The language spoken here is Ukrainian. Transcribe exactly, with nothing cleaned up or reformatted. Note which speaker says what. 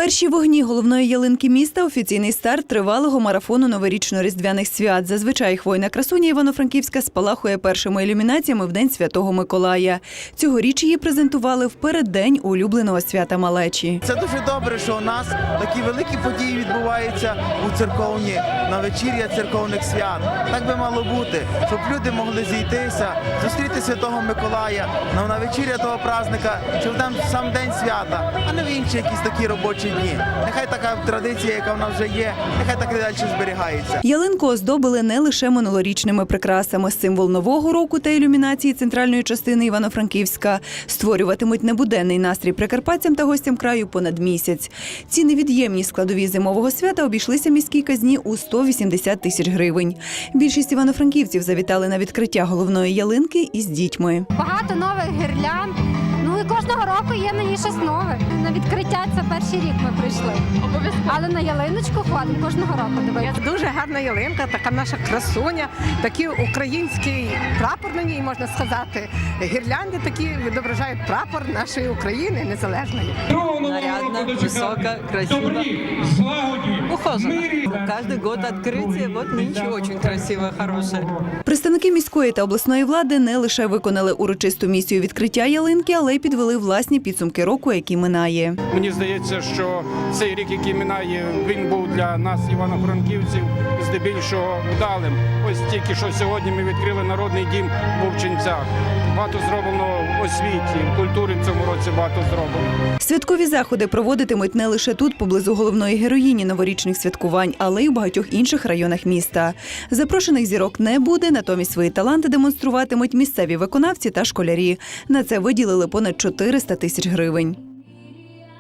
Speaker 1: Перші вогні головної ялинки міста – офіційний старт тривалого марафону новорічно-різдвяних свят. Зазвичай хвойна красуня Івано-Франківська спалахує першими ілюмінаціями в День Святого Миколая. Цьогоріч її презентували в переддень улюбленого свята малечі.
Speaker 2: Це дуже добре, що у нас такі великі події відбуваються у церковні, на вечір'я церковних свят. Так би мало бути, щоб люди могли зійтися, зустріти Святого Миколая на вечір'я того праздника, щоб там сам день свята, а не в інші якісь такі робочі дні. Нехай така традиція, яка в нас вже є, нехай так і далі зберігається.
Speaker 1: Ялинку оздобили не лише минулорічними прикрасами. Символ Нового року та ілюмінації центральної частини Івано-Франківська створюватимуть небуденний настрій прикарпатцям та гостям краю понад місяць. Ці невід'ємні складові зимового свята обійшлися міській казні у сто вісімдесят тисяч гривень. Більшість івано-франківців завітали на відкриття головної ялинки із дітьми.
Speaker 3: Багато нових гірлянд. Ну і кожного року є на ній щось нове. На відкриття це перший рік ми прийшли. Обов'язково. Але на ялиночку ходимо кожного року. Дивитися.
Speaker 4: Дуже гарна ялинка, така наша красуня, такий український прапор на ній, можна сказати. Гірлянди такі відображають прапор нашої України незалежної.
Speaker 5: Нарядно, высоко, красиво, ухоженно. Каждый год открытие, вот нынче очень красиво, хорошее.
Speaker 1: Представники міської та обласної влади не лише виконали урочисту місію відкриття ялинки, але й підвели власні підсумки року, який минає.
Speaker 6: Мені здається, що цей рік, який минає, він був для нас, івано-франківців, здебільшого вдалим. Ось тільки що сьогодні ми відкрили народний дім в Вовчинцях. Багато зроблено в освіті, в культурі в цьому році багато зроблено.
Speaker 1: Святкові заходи проводитимуть не лише тут, поблизу головної героїні новорічних святкувань, але й у багатьох інших районах міста. Запрошених зірок не буде, натомість свої таланти демонструватимуть місцеві виконавці та школярі. На це виділили понад чотириста тисяч гривень.